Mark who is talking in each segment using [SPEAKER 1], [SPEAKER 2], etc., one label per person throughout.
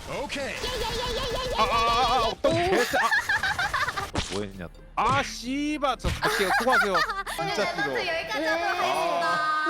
[SPEAKER 1] 오케이.
[SPEAKER 2] 어떤 개새. 뭐했냐 또. 아 씨발 저 갈게요. 수고하세요. 진짜 싫어.
[SPEAKER 3] 여기까지 하도록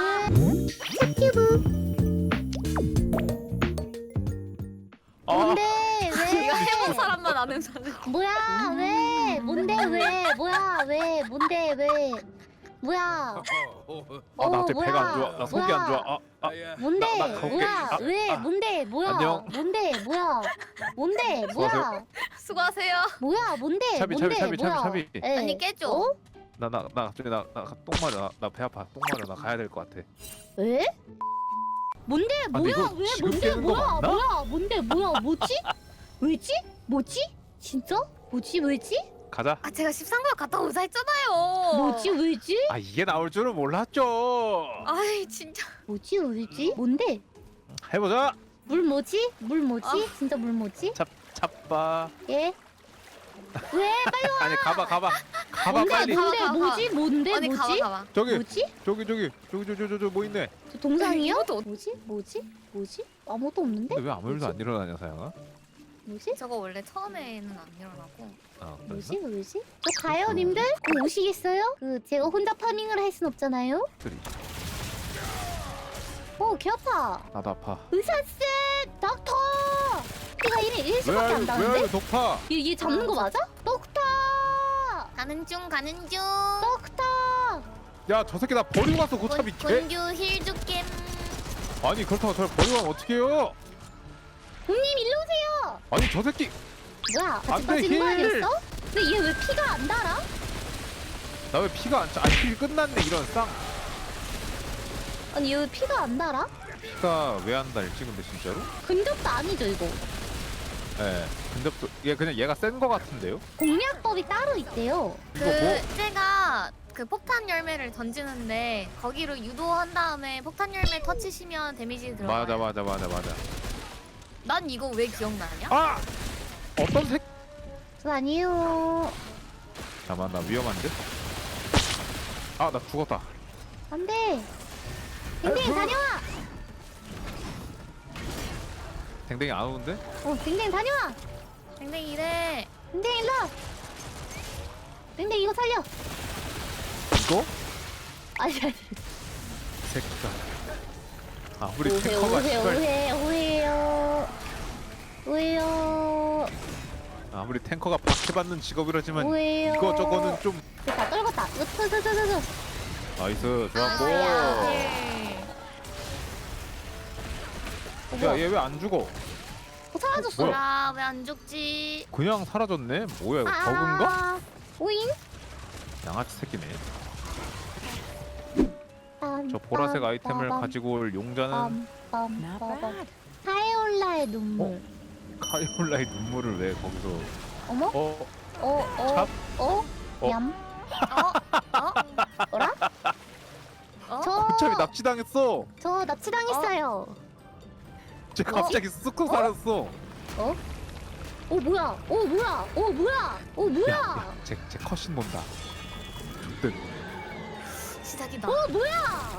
[SPEAKER 3] 하겠습니다.
[SPEAKER 4] 뭔데 왜?
[SPEAKER 3] 이거 해본 사람만 아는 사람.
[SPEAKER 4] 뭐야 왜? 뭔데 왜? 뭐야 왜? 뭔데 왜? 뭐야?
[SPEAKER 2] 아 나 갑자기
[SPEAKER 4] 뭐야?
[SPEAKER 2] 배가 안 좋아. 나 속이 안 좋아.
[SPEAKER 4] 뭔데?
[SPEAKER 2] 나 가볼게.
[SPEAKER 4] 뭐야?
[SPEAKER 2] 아,
[SPEAKER 4] 왜? 뭔데? 뭐야?
[SPEAKER 2] 안녕.
[SPEAKER 4] 뭔데? 뭐야? 뭔데? 뭐야?
[SPEAKER 2] 수고하세요.
[SPEAKER 3] 수고하세요.
[SPEAKER 4] 뭐야? 뭔데?
[SPEAKER 2] 차비,
[SPEAKER 4] 뭔데?
[SPEAKER 2] 차비, 차비,
[SPEAKER 4] 뭐야?
[SPEAKER 2] 차비.
[SPEAKER 4] 에.
[SPEAKER 3] 아니 깨줘.
[SPEAKER 4] 어?
[SPEAKER 2] 나 갑자기 똥 마려. 나 배 아파. 똥 마려. 나 가야 될 것 같아.
[SPEAKER 4] 왜? 뭔데?
[SPEAKER 2] 근데
[SPEAKER 4] 뭐야?
[SPEAKER 2] 이거
[SPEAKER 4] 왜?
[SPEAKER 2] 지금
[SPEAKER 4] 뭔데?
[SPEAKER 2] 깨는 거
[SPEAKER 4] 뭐야?
[SPEAKER 2] 맞나?
[SPEAKER 4] 뭐야? 뭔데? 뭐야? 뭐지? 왜지? 뭐지? 진짜? 뭐지? 왜지?
[SPEAKER 2] 가자.
[SPEAKER 3] 아 제가 13번 갔다 오자 했잖아요.
[SPEAKER 4] 뭐지? 왜지?
[SPEAKER 2] 아 이게 나올 줄은 몰랐죠.
[SPEAKER 3] 아이 진짜.
[SPEAKER 4] 뭐지? 왜지? 뭔데?
[SPEAKER 2] 해보자.
[SPEAKER 4] 물 뭐지? 물 뭐지?
[SPEAKER 3] 아.
[SPEAKER 4] 진짜 물 뭐지?
[SPEAKER 2] 잡봐.
[SPEAKER 4] 예? 왜? 빨리 와!
[SPEAKER 2] 아니 가봐
[SPEAKER 4] 뭔데?
[SPEAKER 2] 빨리.
[SPEAKER 4] 뭔데?
[SPEAKER 3] 가.
[SPEAKER 4] 뭐지? 뭔데?
[SPEAKER 3] 아니
[SPEAKER 4] 뭐지?
[SPEAKER 3] 가봐.
[SPEAKER 2] 저기
[SPEAKER 4] 뭐지?
[SPEAKER 2] 저기 뭐 있네.
[SPEAKER 4] 저 동상이요?
[SPEAKER 3] 이것도
[SPEAKER 4] 뭐지? 뭐지? 뭐지? 아무것도 없는데?
[SPEAKER 2] 근데 왜 아무 일도
[SPEAKER 4] 뭐지?
[SPEAKER 2] 안 일어나냐 사양아?
[SPEAKER 4] 뭐지?
[SPEAKER 3] 저거 원래 처음에는 안 일어나고.
[SPEAKER 2] 아
[SPEAKER 4] 뭐지? 뭐지? 저 가요, 님들? 그럼 오시겠어요? 제가 혼자 파밍을 할 순 없잖아요?
[SPEAKER 2] 그리.
[SPEAKER 4] 개 아파.
[SPEAKER 2] 나도 아파.
[SPEAKER 4] 의사쌤! 닥터! 피가 1수밖에 안
[SPEAKER 2] 왜
[SPEAKER 4] 나는데?
[SPEAKER 2] 독파?
[SPEAKER 4] 얘 잡는 거 맞아? 덕터!
[SPEAKER 3] 가는 중.
[SPEAKER 4] 덕터!
[SPEAKER 2] 야 저 새끼 나 버리고 갔어 고차비 개.
[SPEAKER 3] 곤규 힐 줄게.
[SPEAKER 2] 아니 그렇다고 저를 버리고 가면 어떡해요?
[SPEAKER 4] 님 일로 오세요!
[SPEAKER 2] 아니 저 새끼
[SPEAKER 4] 뭐야?
[SPEAKER 2] 안
[SPEAKER 4] 같이
[SPEAKER 2] 돼,
[SPEAKER 4] 빠지는 거
[SPEAKER 2] 힐!
[SPEAKER 4] 아니었어? 근데 얘 왜 피가 안 달아?
[SPEAKER 2] 나 왜 피가 안 차? 아니 피 끝났네 이런 쌍.
[SPEAKER 4] 아니 얘 왜 피가 안 달아?
[SPEAKER 2] 피가 왜 안 달지 근데 진짜로?
[SPEAKER 4] 근접도 아니죠 이거.
[SPEAKER 2] 예. 근데 또 얘 그냥 얘가 센 거 같은데요?
[SPEAKER 4] 공략법이 따로 있대요.
[SPEAKER 2] 이거 뭐?
[SPEAKER 3] 제가 그 폭탄 열매를 던지는데 거기로 유도한 다음에 폭탄 열매 터치시면 데미지 들어가요.
[SPEAKER 2] 맞아.
[SPEAKER 3] 난 이거 왜 기억나냐?
[SPEAKER 2] 아! 어떤 색?
[SPEAKER 4] 저 아니에요.
[SPEAKER 2] 잠깐만 나 위험한데? 아 나 죽었다.
[SPEAKER 4] 안돼. 댕댕이 다녀와.
[SPEAKER 2] 댕댕이 안 오는데?
[SPEAKER 4] 댕댕이 다녀와.
[SPEAKER 3] 댕댕이 이래.
[SPEAKER 4] 댕댕이 일로. 와. 댕댕이 이거 살려.
[SPEAKER 2] 이거?
[SPEAKER 4] 아니.
[SPEAKER 2] 새끼가. 아 우리
[SPEAKER 4] 오해
[SPEAKER 2] 탱커가
[SPEAKER 4] 오해
[SPEAKER 2] 씨발.
[SPEAKER 4] 오해요. 오해요.
[SPEAKER 2] 아무리 탱커가 박해받는 직업이라지만
[SPEAKER 4] 오해요.
[SPEAKER 2] 이거 저거는 좀
[SPEAKER 4] 다 떨궜다. 으뜨뜨뜨뜨.
[SPEAKER 2] 나이스 좋았고.
[SPEAKER 3] 예.
[SPEAKER 2] 야 얘 왜 안 죽어?
[SPEAKER 4] 사라졌어.
[SPEAKER 2] 뭐야?
[SPEAKER 3] 아, 왜 안 죽지?
[SPEAKER 2] 그냥 사라졌네? 뭐야 이거 버그인가?
[SPEAKER 4] 오잉?
[SPEAKER 2] 양아치 새끼네. 저 보라색 아이템을 가지고 올 용자는
[SPEAKER 4] 카에올라의 눈물.
[SPEAKER 2] 카이올라의 눈물을 왜 거기서
[SPEAKER 4] 어머?
[SPEAKER 2] 찹?
[SPEAKER 4] 어?
[SPEAKER 2] 어?
[SPEAKER 4] 얌?
[SPEAKER 3] 어?
[SPEAKER 4] 뭐라?
[SPEAKER 3] 어?
[SPEAKER 2] 어차피 납치당했어.
[SPEAKER 4] 저 납치당했어요.
[SPEAKER 2] 쟤 갑자기 쑥쑥 사라졌어.
[SPEAKER 4] 뭐야? 뭐야?
[SPEAKER 2] 쟤 컷신 본다. 좋대.
[SPEAKER 3] 시작이다.
[SPEAKER 4] 뭐야?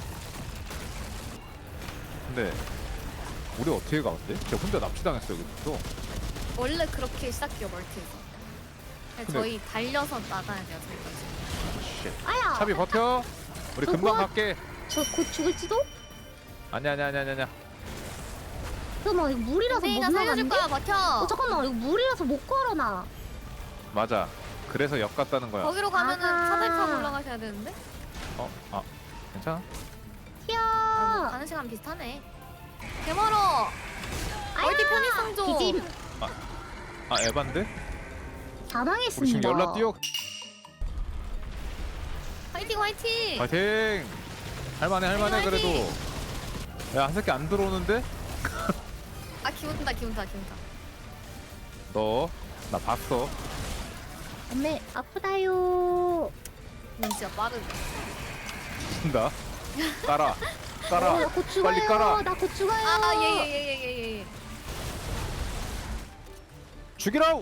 [SPEAKER 2] 근데 우리 어떻게 가 근데? 쟤 혼자 납치당했어 여기서.
[SPEAKER 3] 원래 그렇게 시작해요, 멀티에서.
[SPEAKER 2] 근데-
[SPEAKER 3] 저희 달려서 나가야 돼요, 저희까지.
[SPEAKER 2] 쉣.
[SPEAKER 4] 아야.
[SPEAKER 2] 차비 버텨. 우리
[SPEAKER 4] 저
[SPEAKER 2] 금방
[SPEAKER 4] 고아-
[SPEAKER 2] 갈게.
[SPEAKER 4] 저 곧 죽을지도?
[SPEAKER 2] 아니야.
[SPEAKER 4] 잠깐만 이거 물이라서 못
[SPEAKER 3] 댕댕이가 살려줄
[SPEAKER 4] 나가는데?
[SPEAKER 3] 거야, 버텨.
[SPEAKER 4] 잠깐만 이거 물이라서 못 걸어나.
[SPEAKER 2] 맞아. 그래서 역 갔다는 거야.
[SPEAKER 3] 거기로 가면은
[SPEAKER 4] 아하.
[SPEAKER 3] 사다리 타고 올라가셔야 되는데?
[SPEAKER 2] 괜찮아?
[SPEAKER 4] 튀어.
[SPEAKER 3] 가는 시간 비슷하네. 개멀어. 멀티 편의성 좀.
[SPEAKER 4] 기진
[SPEAKER 2] 에반데? 우리
[SPEAKER 4] 사망했습니다.
[SPEAKER 2] 지금 연락 뛰어.
[SPEAKER 3] 화이팅, 화이팅.
[SPEAKER 2] 파이팅! 할만해
[SPEAKER 3] 화이팅!
[SPEAKER 2] 그래도. 야 한 새끼 안 들어오는데?
[SPEAKER 3] 아, 기운다.
[SPEAKER 2] 너 나 봤어.
[SPEAKER 4] 엄매 아프다요.
[SPEAKER 3] 진짜 빠르네.
[SPEAKER 2] 친다. 깔아.
[SPEAKER 4] 나 곧 죽어요.
[SPEAKER 2] 빨리 깔아.
[SPEAKER 4] 나 곧 죽어요.
[SPEAKER 3] 예.
[SPEAKER 2] 죽이라우.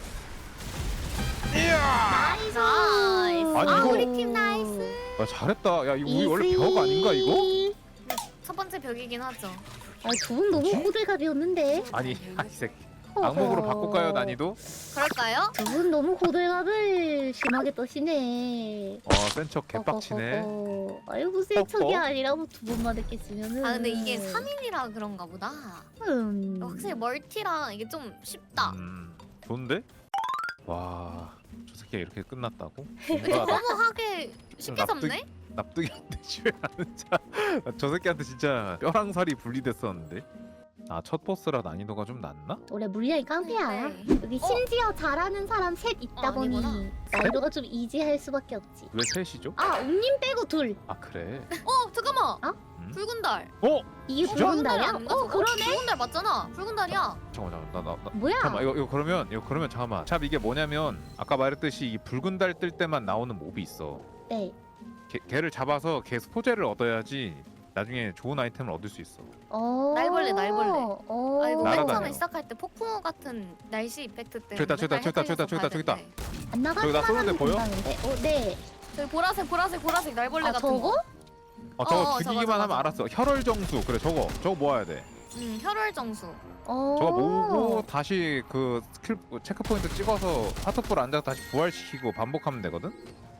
[SPEAKER 2] 이야.
[SPEAKER 4] 나이스.
[SPEAKER 3] 나이스.
[SPEAKER 2] 아니, 이거-
[SPEAKER 3] 우리 팀 나이스.
[SPEAKER 2] 야 잘했다. 야 이거 우리 원래 벽 아닌가 이거?
[SPEAKER 3] 첫 번째 벽이긴 하죠.
[SPEAKER 4] 두 분 너무 호들갑이었는데.
[SPEAKER 2] 아니 이 새끼 악몽으로 바꿀까요 난이도?
[SPEAKER 3] 그럴까요?
[SPEAKER 4] 두 분 너무 호들갑을 심하게 떠시네.
[SPEAKER 2] 센 척 개빡치네.
[SPEAKER 4] 아이고 센 척이 아니라 두 번만 했겠으면은.
[SPEAKER 3] 아 근데 이게 3인이라 그런가 보다. 확실히 멀티랑 이게 좀 쉽다.
[SPEAKER 2] 좋은데? 와, 저 새끼가 이렇게 끝났다고?
[SPEAKER 3] 근데
[SPEAKER 2] 뭔가
[SPEAKER 3] 너무 하게 쉽게 잡네?
[SPEAKER 2] 납득이 안 되지 왜 하는 자. 저 새끼한테 진짜 뼈랑 살이 분리됐었는데. 첫 보스라 난이도가 좀 낮나?
[SPEAKER 4] 원래 물량이 깡패야.
[SPEAKER 3] 네.
[SPEAKER 4] 여기 심지어 잘하는 사람 셋 있다 보니
[SPEAKER 3] 아니구나.
[SPEAKER 4] 난이도가 좀 이지할 수밖에 없지.
[SPEAKER 2] 왜 셋이죠?
[SPEAKER 4] 옴님 빼고 둘.
[SPEAKER 2] 그래.
[SPEAKER 3] 잠깐만.
[SPEAKER 2] 음?
[SPEAKER 3] 붉은 달.
[SPEAKER 4] 이게
[SPEAKER 2] 진짜?
[SPEAKER 4] 붉은 달이야?
[SPEAKER 3] 아닌가, 저거?
[SPEAKER 4] 그러네.
[SPEAKER 3] 붉은 달 맞잖아. 붉은 달이야.
[SPEAKER 2] 잠깐만 나
[SPEAKER 4] 뭐야?
[SPEAKER 2] 잠깐만 이거 그러면 잠깐만. 참 이게 뭐냐면 아까 말했듯이 이 붉은 달 뜰 때만 나오는 몹이 있어.
[SPEAKER 4] 네.
[SPEAKER 2] 걔를 잡아서 걔 소재를 얻어야지 나중에 좋은 아이템을 얻을 수 있어.
[SPEAKER 3] 날벌레. 아 이거 맨
[SPEAKER 2] 날아다녀.
[SPEAKER 3] 처음에 시작할 때 폭풍우 같은 날씨 이펙트 때문에
[SPEAKER 2] 저기다, 저기다,
[SPEAKER 3] 맨날
[SPEAKER 2] 저기다,
[SPEAKER 3] 헷갈려서
[SPEAKER 2] 저기다, 저기다,
[SPEAKER 3] 봐야 되는데.
[SPEAKER 4] 안 나가는
[SPEAKER 2] 저기 나 쏘는데
[SPEAKER 4] 사람이
[SPEAKER 2] 보여?
[SPEAKER 4] 금방인데. 네.
[SPEAKER 3] 저기 보라색 날벌레 같은
[SPEAKER 4] 저거?
[SPEAKER 3] 거.
[SPEAKER 2] 저거
[SPEAKER 3] 저거,
[SPEAKER 2] 죽이기만
[SPEAKER 3] 저거,
[SPEAKER 2] 하면
[SPEAKER 3] 저거.
[SPEAKER 2] 알았어. 혈월 정수. 그래 저거 모아야 돼.
[SPEAKER 3] 혈월정수.
[SPEAKER 2] 저거 모으고 다시 그 스킬 체크 포인트 찍어서 하트볼 앉아 다시 부활시키고 반복하면 되거든.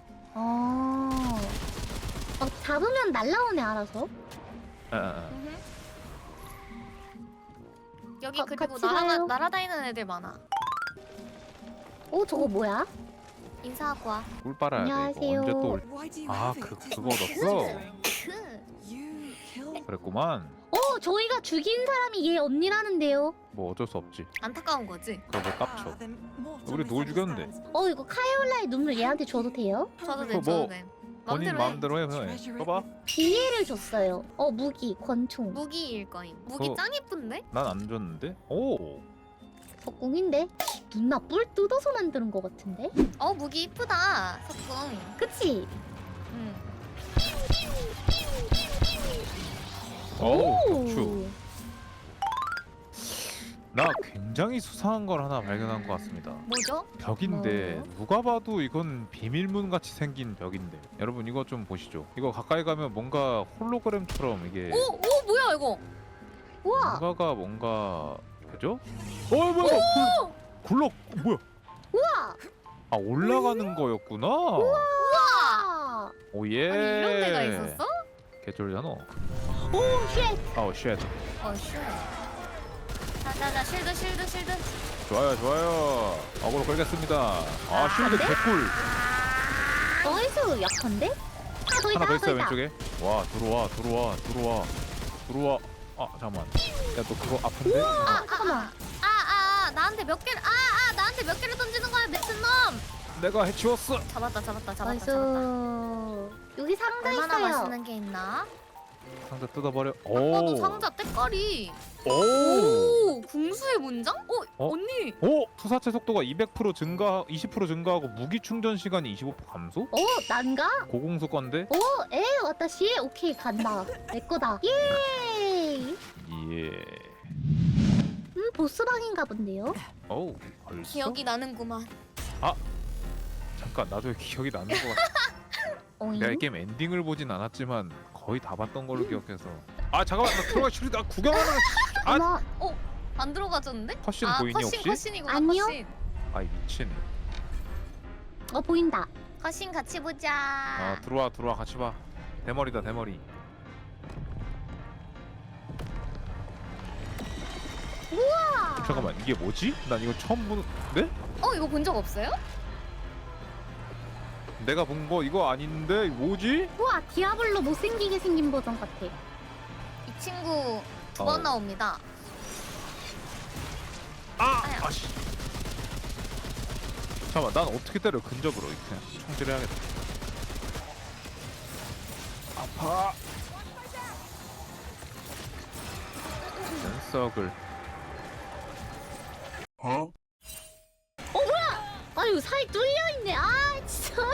[SPEAKER 4] 잡으면 날라오네 알아서.
[SPEAKER 3] 여기 그리고
[SPEAKER 4] 같이 가요.
[SPEAKER 3] 날아다니는 애들 많아.
[SPEAKER 4] 저거 뭐야?
[SPEAKER 3] 인사하고 와.
[SPEAKER 2] 꿀 빨아야 돼.
[SPEAKER 4] 안녕하세요.
[SPEAKER 2] 이거 언제 또 그거 얻었어. 그랬구만.
[SPEAKER 4] 저희가 죽인 사람이 얘 언니라는데요.
[SPEAKER 2] 뭐 어쩔 수 없지.
[SPEAKER 3] 안타까운 거지.
[SPEAKER 2] 그러고 깝쳐. 우리 누굴 죽였는데?
[SPEAKER 4] 이거 카이올라의 눈물 얘한테 줘도 돼요?
[SPEAKER 3] 저도 돼,
[SPEAKER 2] 뭐,
[SPEAKER 3] 저도 돼.
[SPEAKER 2] 본인
[SPEAKER 3] 마음대로 해.
[SPEAKER 2] 마음대로 해. 그냥. 봐봐.
[SPEAKER 4] 비닐을 줬어요. 무기, 권총.
[SPEAKER 3] 무기일 거임. 무기
[SPEAKER 2] 어.
[SPEAKER 3] 짱 예쁜데?
[SPEAKER 2] 난 안 줬는데. 오.
[SPEAKER 4] 석궁인데? 누나 뿔 뜯어서 만드는 거 같은데?
[SPEAKER 3] 무기 이쁘다. 석궁.
[SPEAKER 4] 그치?
[SPEAKER 3] 응.
[SPEAKER 2] 오. 격추. 나 굉장히 수상한 걸 하나 발견한 것 같습니다.
[SPEAKER 3] 뭐죠?
[SPEAKER 2] 벽인데 누가 봐도 이건 비밀문 같이 생긴 벽인데 여러분 이거 좀 보시죠. 이거 가까이 가면 뭔가 홀로그램처럼 이게
[SPEAKER 3] 오 뭐야 이거?
[SPEAKER 4] 우와!
[SPEAKER 2] 뭔가 그죠? 뭐야? 굴럭 뭐야?
[SPEAKER 4] 우와!
[SPEAKER 2] 올라가는 거였구나.
[SPEAKER 4] 우와!
[SPEAKER 2] 오예.
[SPEAKER 3] 아니 이런 데가 있었어?
[SPEAKER 2] 개쫄잖아.
[SPEAKER 4] 오, 쉣!
[SPEAKER 2] 쉣.
[SPEAKER 3] 쉣. 자자자 실드.
[SPEAKER 2] 좋아요. 어그로 걸겠습니다. 쉴드
[SPEAKER 4] 안 돼?
[SPEAKER 2] 개꿀.
[SPEAKER 4] 나이스! 약한데?
[SPEAKER 2] 하나 더 있어요 왼쪽에. 와 들어와. 잠깐만. 야 너 그거 아픈데?
[SPEAKER 4] 잠깐만.
[SPEAKER 3] 나한테 몇 개를 나한테 몇 개를 던지는 거야 미친놈.
[SPEAKER 2] 내가 해치웠어.
[SPEAKER 3] 잡았다.
[SPEAKER 4] 나이스. 여기 상자
[SPEAKER 3] 얼마나
[SPEAKER 4] 있어요.
[SPEAKER 3] 맛있는 게 있나?
[SPEAKER 2] 상자 뜯어버려.
[SPEAKER 3] 아까도 상자 때깔이.
[SPEAKER 2] 오.
[SPEAKER 3] 궁수의 문장? 언니.
[SPEAKER 2] 투사체 속도가 200% 증가, 20% 증가하고 무기 충전 시간이 25% 감소?
[SPEAKER 4] 난가?
[SPEAKER 2] 고공수 건데?
[SPEAKER 4] 와타시? 오케이, 간다. 내 거다. 예!
[SPEAKER 2] 예.
[SPEAKER 4] 보스방인가 본데요?
[SPEAKER 2] 벌써?
[SPEAKER 3] 기억이 나는구만.
[SPEAKER 2] 잠깐 나도 기억이 나는 것 같아. 내가 이 게임 엔딩을 보진 않았지만 거의 다 봤던 걸로 기억해서. 잠깐만 나 들어가 슈리 나 구경하는.
[SPEAKER 4] 어머,
[SPEAKER 3] 안 들어가졌는데?
[SPEAKER 2] 컷신 보이니 혹시?
[SPEAKER 3] 컷신이구나.
[SPEAKER 4] 아니요.
[SPEAKER 3] 컷신.
[SPEAKER 2] 아이 미친.
[SPEAKER 4] 보인다.
[SPEAKER 3] 컷신 같이 보자.
[SPEAKER 2] 들어와 같이 봐. 대머리다 대머리.
[SPEAKER 4] 우와!
[SPEAKER 2] 잠깐만 이게 뭐지? 난 이거 처음 보는데?
[SPEAKER 3] 이거 본 적 없어요?
[SPEAKER 2] 내가 본 거 이거 아닌데 뭐지?
[SPEAKER 4] 우와, 디아블로 못생기게 생긴 버전 같아.
[SPEAKER 3] 이 친구 두 번 나옵니다. 아야.
[SPEAKER 2] 아씨. 잠깐만 난 어떻게 때려 근접으로 그냥 총질해야겠다. 아파. 썩을.
[SPEAKER 4] 아유, 사이 뚫려있네. 진짜.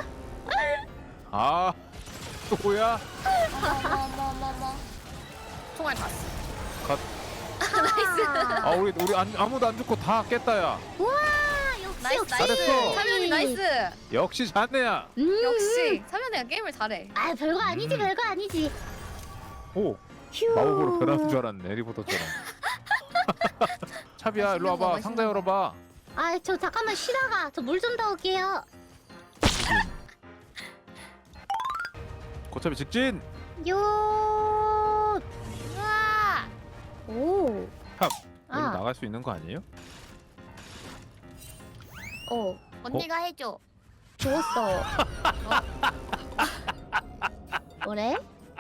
[SPEAKER 2] 또야?
[SPEAKER 3] 어머머머머. 총알 다 써.
[SPEAKER 2] 컷.
[SPEAKER 3] 나이스.
[SPEAKER 2] 우리 아무도 안 죽고 다 깼다야.
[SPEAKER 4] 우와, 역시,
[SPEAKER 3] 나이스
[SPEAKER 4] 역시.
[SPEAKER 2] 잘했어.
[SPEAKER 3] 사면이 나이스.
[SPEAKER 2] 역시 자네야.
[SPEAKER 3] 역시 사면이가 게임을 잘해.
[SPEAKER 4] 별거 아니지, 별거 아니지. 휴.
[SPEAKER 2] 마법으로 변하는 줄 알았네 해리포터처럼. 차비야 일로 와봐.
[SPEAKER 3] 맛있는
[SPEAKER 2] 상자
[SPEAKER 3] 거.
[SPEAKER 2] 열어봐.
[SPEAKER 4] 아, 저 잠깐만 쉬다가 저 물 좀 넣을게요.
[SPEAKER 2] 고차비 직진.
[SPEAKER 4] 요.
[SPEAKER 3] 우와.
[SPEAKER 4] 오.
[SPEAKER 2] 탑. 여기
[SPEAKER 4] 아.
[SPEAKER 2] 나갈 수 있는 거 아니에요?
[SPEAKER 3] 언니가 해줘.
[SPEAKER 4] 죽었어. 뭐래?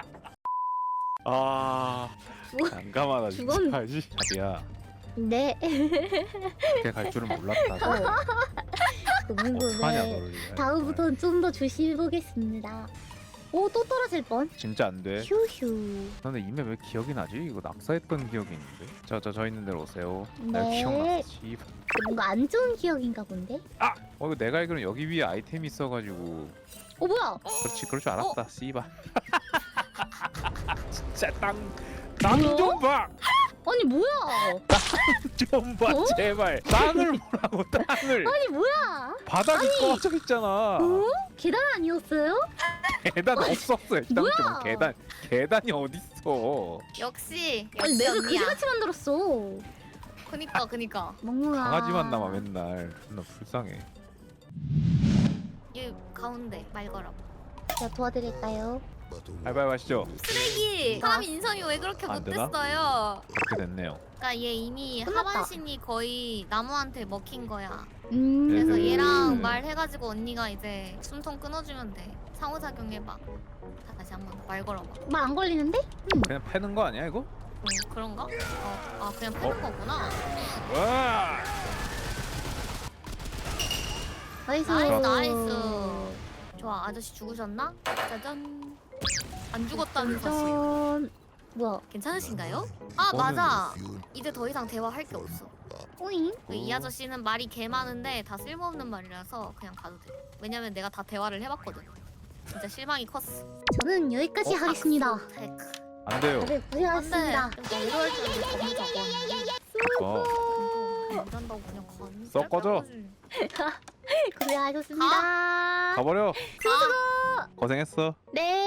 [SPEAKER 2] 아
[SPEAKER 4] 죽-
[SPEAKER 2] 난감하다 진짜.
[SPEAKER 4] 죽었-
[SPEAKER 2] 차비야
[SPEAKER 4] 네.
[SPEAKER 2] 이렇게 갈 줄은 몰랐다. 어떡하냐
[SPEAKER 4] 그분구네.
[SPEAKER 2] 너를.
[SPEAKER 4] 다음부터는 좀 더 조심해 보겠습니다. 오, 또 떨어질 뻔.
[SPEAKER 2] 진짜 안 돼.
[SPEAKER 4] 휴휴.
[SPEAKER 2] 근데 이메 왜 기억이 나지? 이거 낙서했던 기억이 있는데. 저 있는 데로 오세요.
[SPEAKER 4] 네.
[SPEAKER 2] 내가 기억났지.
[SPEAKER 4] 뭔가 안 좋은 기억인가 본데?
[SPEAKER 2] 이거 내가 알기로는 여기 위에 아이템이 있어가지고.
[SPEAKER 4] 뭐야?
[SPEAKER 2] 그렇지 그럴 줄 알았다. 씨발. 진짜 땅좀 봐.
[SPEAKER 4] 아니 뭐야?
[SPEAKER 2] 좀 봐
[SPEAKER 4] 어?
[SPEAKER 2] 제발. 땅을 보라고 땅을.
[SPEAKER 4] 아니 뭐야?
[SPEAKER 2] 바닥이 꺼져 있잖아.
[SPEAKER 4] 어? 계단 아니었어요?
[SPEAKER 2] 계단 없었어. 일단
[SPEAKER 4] 뭐야?
[SPEAKER 2] 좀 계단이 어딨어.
[SPEAKER 3] 역시
[SPEAKER 4] 아니 맵을
[SPEAKER 3] 언니야.
[SPEAKER 4] 그지같이 만들었어.
[SPEAKER 3] 그니까.
[SPEAKER 4] 멍멍아.
[SPEAKER 2] 강아지만 남아 맨날. 존나 불쌍해.
[SPEAKER 3] 이 가운데 말 걸어.
[SPEAKER 4] 제가 도와드릴까요?
[SPEAKER 2] 알바이 하시죠.
[SPEAKER 3] 쓰레기. 사람 인성이 왜 그렇게
[SPEAKER 2] 안 되나?
[SPEAKER 3] 못됐어요?
[SPEAKER 2] 그렇게 됐네요.
[SPEAKER 3] 그러니까 얘 이미
[SPEAKER 4] 끝났다.
[SPEAKER 3] 하반신이 거의 나무한테 먹힌 거야.
[SPEAKER 2] 그래서
[SPEAKER 3] 그래서 얘랑
[SPEAKER 2] 음.
[SPEAKER 3] 말해가지고 언니가 이제 숨통 끊어주면 돼. 상호작용 해봐. 다시 한번 말 걸어봐.
[SPEAKER 4] 말 안 걸리는데?
[SPEAKER 2] 그냥 패는 거 아니야 이거?
[SPEAKER 3] 그런가? 그냥 패는 거구나.
[SPEAKER 2] 와.
[SPEAKER 4] 나이스.
[SPEAKER 3] 나이스. 좋아, 아저씨 죽으셨나? 짜잔. 안 죽었다는 사실.
[SPEAKER 4] 짠. 뭐야?
[SPEAKER 3] 괜찮으신가요? 아
[SPEAKER 2] 저는-
[SPEAKER 3] 맞아. 이제 더 이상 대화할 게 없어.
[SPEAKER 4] 오잉?
[SPEAKER 3] 이 아저씨는 말이 개 많은데 다 쓸모없는 말이라서 그냥 가도 돼. 왜냐면 내가 다 대화를 해봤거든. 진짜 실망이 컸어.
[SPEAKER 4] 저는 여기까지 하겠습니다.
[SPEAKER 3] 테크.
[SPEAKER 2] 안 돼요.
[SPEAKER 4] 다들 고생하셨습니다.
[SPEAKER 3] 근데 이럴 줄 겁나 적었는데. 안 된다고 그냥 건.
[SPEAKER 2] 썩 꺼져.
[SPEAKER 4] 고생하셨습니다.
[SPEAKER 2] 가버려.
[SPEAKER 3] 아.
[SPEAKER 2] 고생했어.
[SPEAKER 4] 네.